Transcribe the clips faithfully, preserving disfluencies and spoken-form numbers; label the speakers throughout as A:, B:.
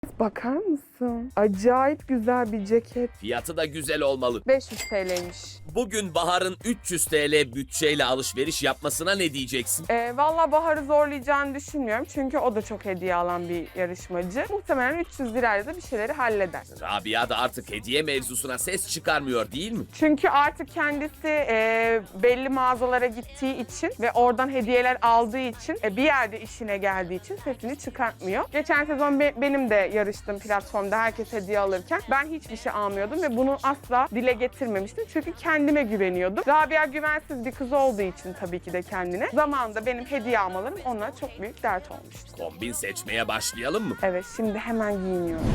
A: Bakar mısın? Acayip güzel bir ceket.
B: Fiyatı da güzel olmalı.
A: beş yüz T L'ymiş.
B: Bugün Bahar'ın üç yüz T L bütçeyle alışveriş yapmasına ne diyeceksin?
A: Ee, Valla Bahar'ı zorlayacağını düşünmüyorum. Çünkü o da çok hediye alan bir yarışmacı. Muhtemelen üç yüz lirayla da bir şeyleri halleder.
B: Rabia da artık hediye mevzusuna ses çıkarmıyor değil mi?
A: Çünkü artık kendisi e, belli mağazalara gittiği için ve oradan hediyeler aldığı için e, bir yerde işine geldiği için sesini çıkartmıyor. Geçen sezon be- benim de yarıştığım platformda herkes hediye alırken ben hiçbir şey almıyordum ve bunu asla dile getirmemiştim. Çünkü kendime güveniyordum. Rabia güvensiz bir kız olduğu için tabii ki de kendine. Zamanında benim hediye almalarım ona çok büyük dert olmuştu.
B: Kombin seçmeye başlayalım mı?
A: Evet, şimdi hemen giyiniyorum.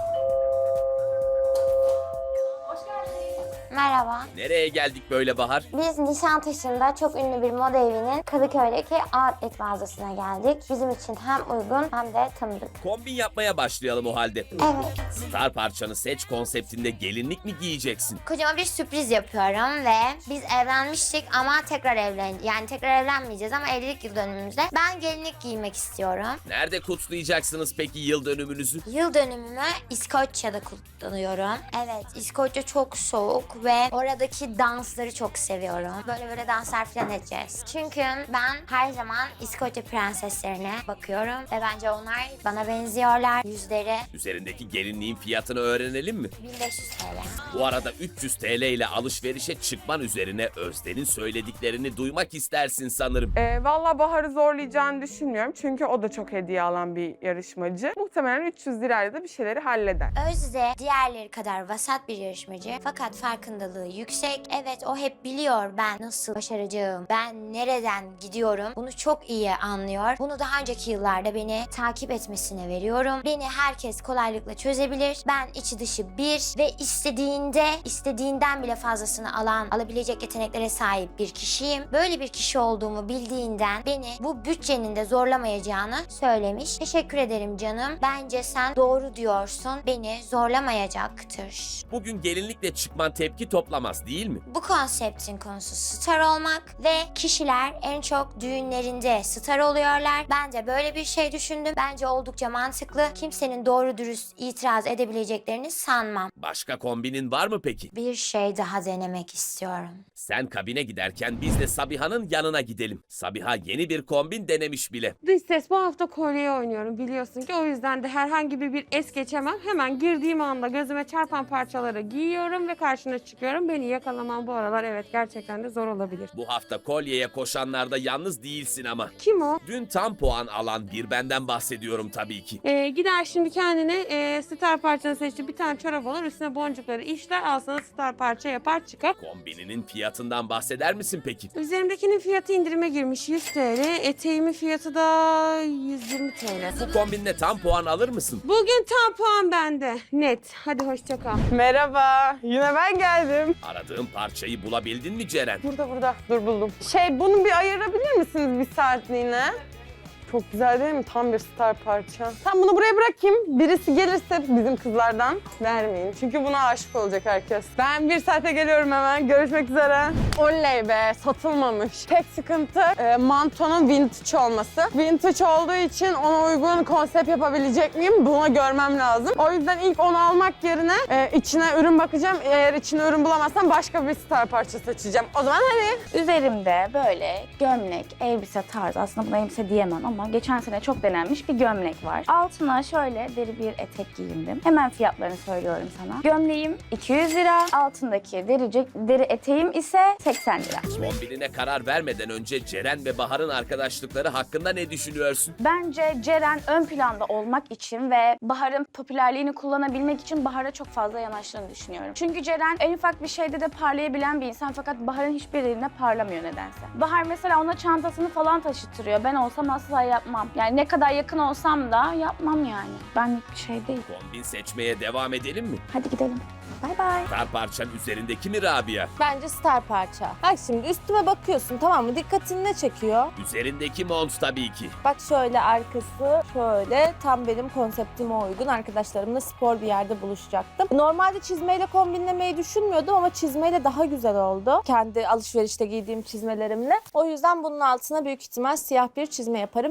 C: Merhaba.
B: Nereye geldik böyle Bahar?
C: Biz Nişantaşı'nda çok ünlü bir moda evinin Kadıköy'deki outlet mağazasına geldik. Bizim için hem uygun hem de tanıdık.
B: Kombin yapmaya başlayalım o halde.
C: Evet.
B: Star parçanı seç konseptinde gelinlik mi giyeceksin?
C: Kocama bir sürpriz yapıyorum ve biz evlenmiştik ama tekrar evlen yani tekrar evlenmeyeceğiz ama evlilik yıl dönümümüzde ben gelinlik giymek istiyorum.
B: Nerede kutlayacaksınız peki yıl dönümünüzü?
C: Yıl dönümümü İskoçya'da kutlanıyorum. Evet, İskoçya çok soğuk ve oradaki dansları çok seviyorum. Böyle böyle danslar falan edeceğiz. Çünkü ben her zaman İskoçya prenseslerine bakıyorum ve bence onlar bana benziyorlar. Yüzleri
B: Üzerindeki gelinliğin fiyatını öğrenelim mi?
C: bin beş yüz T L.
B: Bu arada üç yüz T L ile alışverişe çıkman üzerine Özden'in söylediklerini duymak istersin sanırım.
A: Ee, Valla Bahar'ı zorlayacağını düşünmüyorum. Çünkü o da çok hediye alan bir yarışmacı. Muhtemelen üç yüz lirayla da bir şeyleri halleder.
C: Özde diğerleri kadar vasat bir yarışmacı fakat farkındalığı yüksek. Evet, o hep biliyor ben nasıl başaracağım, ben nereden gidiyorum. Bunu çok iyi anlıyor. Bunu daha önceki yıllarda beni takip etmesine veriyorum. Beni herkes kolaylıkla çözebilir. Ben içi dışı bir ve istediğinde istediğinden bile fazlasını alan, alabilecek yeteneklere sahip bir kişiyim. Böyle bir kişi olduğumu bildiğinden beni bu bütçenin de zorlamayacağını söylemiş. Teşekkür ederim canım. Bence sen doğru diyorsun. Beni zorlamayacaktır.
B: Bugün gelinlikle çıkman tepki toplamaz değil mi?
C: Bu konseptin konusu star olmak ve kişiler en çok düğünlerinde star oluyorlar. Ben de böyle bir şey düşündüm. Bence oldukça mantıklı. Kimsenin doğru dürüst itiraz edebileceklerini sanmam.
B: Başka kombinin var mı peki?
C: Bir şey daha denemek istiyorum.
B: Sen kabine giderken biz de Sabiha'nın yanına gidelim. Sabiha yeni bir kombin denemiş bile.
D: Dış ses bu hafta kolye oynuyorum biliyorsun ki o yüzden de herhangi bir, bir es geçemem. Hemen girdiğim anda gözüme çarpan parçaları giyiyorum ve karşına çıkıyorum. Beni yakalaman bu aralar evet gerçekten de zor olabilir.
B: Bu hafta kolyeye koşanlarda yalnız değilsin ama.
D: Kim o?
B: Dün tam puan alan bir benden bahsediyorum tabii ki.
D: Ee, gider şimdi kendine e, star parçanı seçti. Bir tane çorap alır üstüne boncukları işler al sana star parça yapar çıkar.
B: Kombininin fiyatından bahseder misin peki?
D: Üzerimdekinin fiyatı indirime girmiş yüz T L. Eteğimin fiyatı da yüz yirmi T L.
B: Bu kombinle tam puan alır mısın?
D: Bugün tam puan bende. Net. Hadi hoşça kal.
A: Merhaba, yine ben geldim.
B: Aradığın parçayı bulabildin mi Ceren?
A: Burada burada, dur buldum. Şey, bunu bir ayırabilir misiniz bir saatliğine? Çok güzel değil mi? Tam bir star parça. Tam bunu buraya bırakayım. Birisi gelirse bizim kızlardan vermeyin. Çünkü buna aşık olacak herkes. Ben bir saate geliyorum hemen. Görüşmek üzere. Oley be, satılmamış. Tek sıkıntı e, mantonun vintage olması. Vintage olduğu için ona uygun konsept yapabilecek miyim? Buna görmem lazım. O yüzden ilk onu almak yerine e, içine ürün bakacağım. Eğer içine ürün bulamazsam başka bir star parça seçeceğim. O zaman hadi.
E: Üzerimde böyle gömlek, elbise tarzı, aslında buna elbise diyemem ama geçen sene çok denenmiş bir gömlek var. Altına şöyle deri bir etek giyindim. Hemen fiyatlarını söylüyorum sana. Gömleğim iki yüz lira, altındaki deri, deri eteğim ise seksen lira.
B: Kombinine karar vermeden önce Ceren ve Bahar'ın arkadaşlıkları hakkında ne düşünüyorsun?
E: Bence Ceren ön planda olmak için ve Bahar'ın popülerliğini kullanabilmek için Bahar'a çok fazla yanaştığını düşünüyorum. Çünkü Ceren en ufak bir şeyde de parlayabilen bir insan fakat Bahar'ın hiçbir yerine parlamıyor nedense. Bahar mesela ona çantasını falan taşıtırıyor. Ben olsam asla yapmam. Yani ne kadar yakın olsam da yapmam yani. Benlik bir şey değil.
B: Kombin seçmeye devam edelim mi?
E: Hadi gidelim. Bay bay.
B: Star parçan üzerindeki mi Rabia?
F: Bence star parça. Bak şimdi üstüme bakıyorsun, tamam mı? Dikkatini ne çekiyor?
B: Üzerindeki mont tabii ki.
F: Bak şöyle arkası şöyle tam benim konseptime uygun. Arkadaşlarımla spor bir yerde buluşacaktım. Normalde çizmeyle kombinlemeyi düşünmüyordum ama çizmeyle daha güzel oldu. Kendi alışverişte giydiğim çizmelerimle. O yüzden bunun altına büyük ihtimal siyah bir çizme yaparım.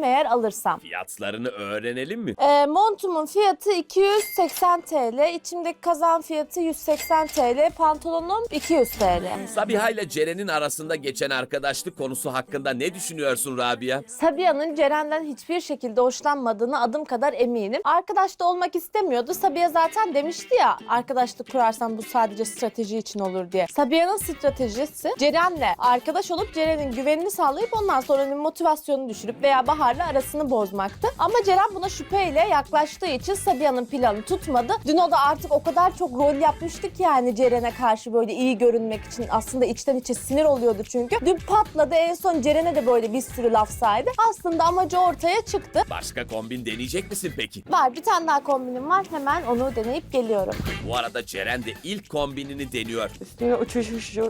F: eğer alırsam.
B: Fiyatlarını öğrenelim mi?
F: Ee, montumun fiyatı iki yüz seksen TL, içimdeki kazağın fiyatı yüz seksen TL, pantolonum iki yüz TL.
B: Sabiha ile Ceren'in arasında geçen arkadaşlık konusu hakkında ne düşünüyorsun Rabia?
F: Sabiha'nın Ceren'den hiçbir şekilde hoşlanmadığını adım kadar eminim. Arkadaş da olmak istemiyordu. Sabiha zaten demişti ya, arkadaşlık kurarsan bu sadece strateji için olur diye. Sabiha'nın stratejisi Ceren'le arkadaş olup Ceren'in güvenini sağlayıp ondan sonra onun motivasyonunu düşürüp veya Bahar'la arasını bozmaktı. Ama Ceren buna şüpheyle yaklaştığı için Sabiha'nın planı tutmadı. Dün o da artık o kadar çok rol yapmıştı ki yani Ceren'e karşı böyle iyi görünmek için, aslında içten içe sinir oluyordu çünkü. Dün patladı, en son Ceren'e de böyle bir sürü laf saydı. Aslında amacı ortaya çıktı.
B: Başka kombin deneyecek misin peki?
F: Var, bir tane daha kombinim var. Hemen onu deneyip geliyorum.
B: Bu arada Ceren de ilk kombinini deniyor.
A: Üstüne uçuş uçuş.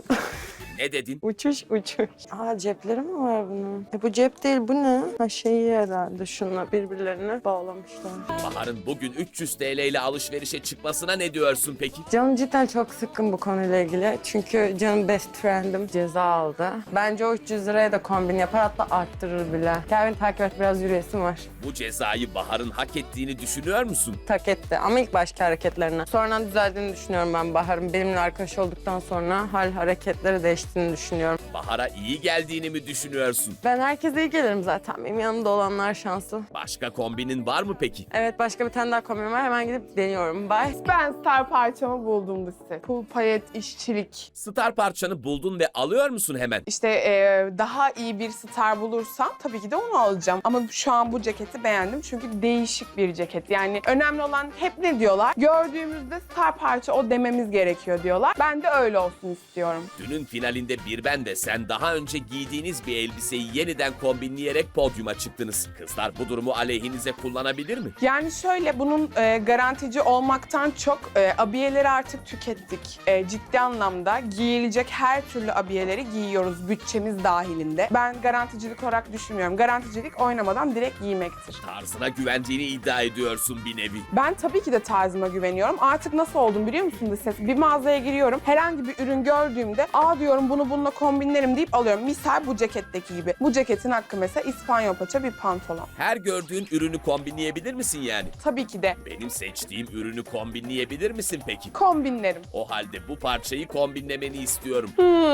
B: Ne dedin?
A: Uçuş uçuş. Aa, cepleri mi var bunun? E, bu cep değil, bu ne? Ha, şeyi herhalde şunla birbirlerine bağlamışlar.
B: Bahar'ın bugün üç yüz TL ile alışverişe çıkmasına ne diyorsun peki?
A: Canım cidden çok sıkkın bu konuyla ilgili. Çünkü canım best friend'im ceza aldı. Bence o üç yüz liraya da kombin yapar, hatta arttırır bile. Gel beni takip et, biraz yürüyesim var.
B: Bu cezayı Bahar'ın hak ettiğini düşünüyor musun?
A: Tak etti ama ilk başki hareketlerine. Sonradan düzeldiğini düşünüyorum ben Bahar'ın. Benimle arkadaş olduktan sonra hal hareketleri değiştiğini düşünüyorum.
B: Bahar'a iyi geldiğini mi düşünüyorsun?
A: Ben herkese iyi gelirim zaten. Benim yanımda olanlar şanslı.
B: Başka kombinin var mı peki?
A: Evet, başka bir tane daha kombin var. Hemen gidip deniyorum. Bye.
G: Ben star parçamı buldum lise. Pul payet işçilik.
B: Star parçanı buldun ve alıyor musun hemen?
G: İşte e, daha iyi bir star bulursam tabii ki de onu alacağım. Ama şu an bu ceketi beğendim çünkü değişik bir ceket. Yani önemli olan, hep ne diyorlar? Gördüğümüzde star parça o dememiz gerekiyor diyorlar. Ben de öyle olsun istiyorum.
B: Dünün finalinde bir ben ve sen daha önce giydiğiniz bir elbiseyi yeniden kombinleyerek podyuma çıktınız. Kızlar bu durumu aleyhinize kullanabilir mi?
G: Yani şöyle, bunun e, garantici olmaktan çok e, abiyeleri artık tükettik. E, ciddi anlamda giyilecek her türlü abiyeleri giyiyoruz bütçemiz dahilinde. Ben garanticilik olarak düşünmüyorum. Garanticilik oynamadan direkt giymektir.
B: Tarzına güvendiğini iddia ediyorsun bir nevi.
G: Ben tabii ki de tarzıma güveniyorum. Artık nasıl oldum biliyor musun Lises? Bir mağazaya giriyorum. Herhangi bir ürün gördüğümde aa diyorum bunu bununla kombinlerim deyip alıyorum. Misal bu ceketteki gibi. Bu ceketin hakkı mesela İspanyol paça bir pantolon.
B: Her gördüğün ürünü kombinleyebilir misin yani?
G: Tabii ki de
B: Benim seçtiğim ürünü kombinleyebilir misin peki?
G: kombinlerim.
B: O halde bu parçayı kombinlemeni istiyorum.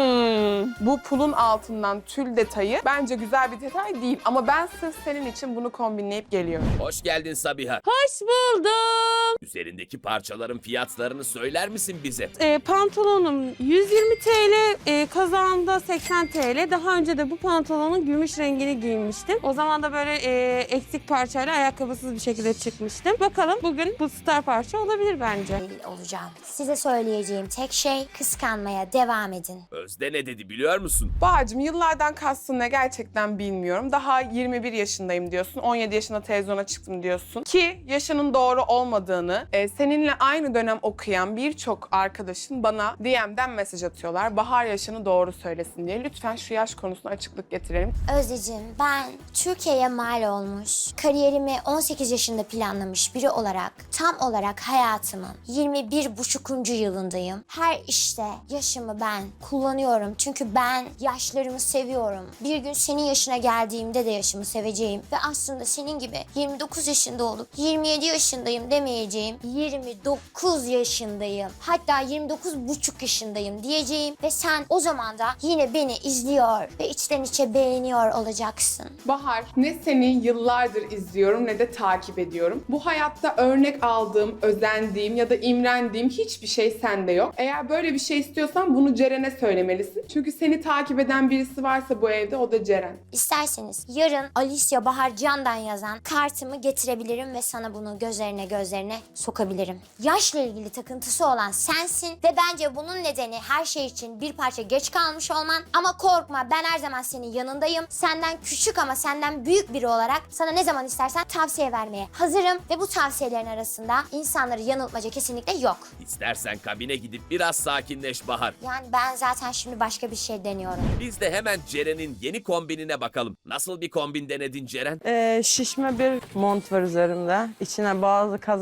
G: Hmm, bu pulun altından tül detayı bence güzel bir detay değil. Ama ben sırf senin için bunu kombinleyip geliyorum.
B: Hoş geldin Sabiha.
D: Hoş buldum.
B: Üzerindeki parçaların fiyatlarını söyler misin bize?
D: E, pantolonum yüz yirmi TL, e, kazağımda seksen TL. Daha önce de bu pantolonun gümüş rengini giymiştim. O zaman da böyle e, eksik parçayla ayakkabısız bir şekilde çıkmıştım. Bakalım bugün bu star parça olabilir bence.
C: Deli olacağım. Size söyleyeceğim tek şey, kıskanmaya devam edin.
B: Özde ne dedi biliyor musun?
G: Bağcığım, yıllardan kastın ne gerçekten bilmiyorum. Daha yirmi bir yaşındayım diyorsun. on yedi yaşında televizyona çıktım diyorsun. Ki yaşının doğru olmadığını, e, seninle aynı dönem okuyan birçok arkadaşın bana D M'den mesaj atıyorlar. Bahar yaşını doğru söylesin diye. Lütfen şu yaş konusuna açıklık getirelim.
C: Özdeciğim, ben Türkiye'ye mal olmuş, kariyerimi on sekiz yaşında planlamış biri olarak tam olarak hayatımın yirmi bir buçukuncu yılındayım. Her işte yaşımı ben kullanıyorum çünkü ben yaşlarımı seviyorum. Bir gün senin yaşına geldiğimde de yaşımı seveceğim ve aslında senin gibi yirmi dokuz yaşında olup yirmi yedi yaşındayım demeyeceğim. yirmi dokuz yaşındayım. Hatta yirmi dokuz buçuk yaşındayım diyeceğim ve sen o zaman da yine beni izliyor ve içten içe beğeniyor olacaksın.
G: Bahar, ne seni yıllardır izliyorum ne de takip ediyorum. Bu hayatta örnek aldığım, özendiğim ya da imrendiğim hiçbir şey sende yok. Eğer böyle bir şey istiyorsan bunu Ceren'e söylemelisin. Çünkü seni takip eden birisi varsa bu evde, o da Ceren.
C: İsterseniz yarın Alicia Bahar Can'dan yazan kartımı getirebilirim ve sana bunu gözlerine gözlerine sokabilirim. Yaşla ilgili takıntısı olan sensin ve bence bunun nedeni her şey için bir parça geç kalmış olman. Ama korkma, ben her zaman senin yanındayım. Senden küçük ama senden büyük biri olarak sana ne zaman istersen tavsiye vermeye hazırım ve bu tavsiyelerin arasında insanları yanıltmaca kesinlikle yok.
B: İstersen kabine gidip biraz sakinleş Bahar.
C: Yani ben zaten şimdi başka bir şey deniyorum.
B: Biz de hemen Ceren'in yeni kombinine bakalım. Nasıl bir kombin denedin Ceren?
A: Ee, şişme bir mont var üzerimde. İçine bazı kazak giydim.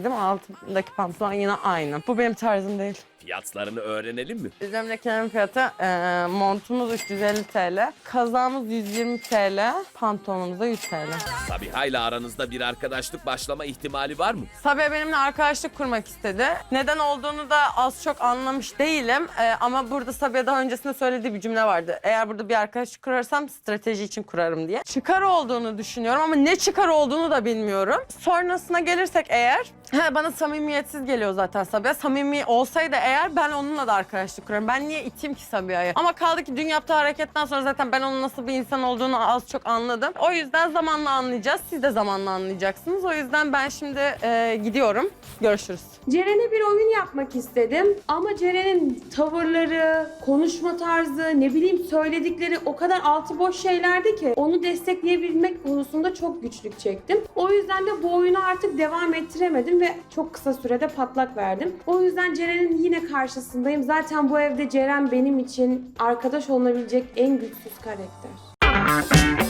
A: giydim. Altındaki pantolon yine aynı. Bu benim tarzım değil.
B: Fiyatlarını öğrenelim mi?
A: Üzerimdekilerin fiyatı e, montumuz üç yüz elli TL, kazağımız yüz yirmi TL, pantolonumuz da yüz TL.
B: Sabiha ile aranızda bir arkadaşlık başlama ihtimali var mı?
A: Sabiha benimle arkadaşlık kurmak istedi. Neden olduğunu da az çok anlamış değilim. E, ama burada Sabiha daha öncesinde söylediği bir cümle vardı. Eğer burada bir arkadaşlık kurarsam strateji için kurarım diye. Çıkar olduğunu düşünüyorum ama ne çıkar olduğunu da bilmiyorum. Sonrasına gelirsek eğer, he, bana samimiyetsiz geliyor zaten Sabiha. Samimi olsaydı eğer ben onunla da arkadaşlık kurarım. Ben niye iteyim ki Sabiha'yı? Ama kaldı ki dün yaptığı hareketten sonra zaten ben onun nasıl bir insan olduğunu az çok anladım. O yüzden zamanla anlayacağız. Siz de zamanla anlayacaksınız. O yüzden ben şimdi e, gidiyorum. Görüşürüz.
D: Ceren'e bir oyun yapmak istedim ama Ceren'in tavırları, konuşma tarzı, ne bileyim söyledikleri o kadar altı boş şeylerdi ki onu destekleyebilmek konusunda çok güçlük çektim. O yüzden de bu oyunu artık devam ettiremedim ve çok kısa sürede patlak verdim. O yüzden Ceren'in yine karşısındayım. Zaten bu evde Ceren benim için arkadaş olunabilecek en güçsüz karakter.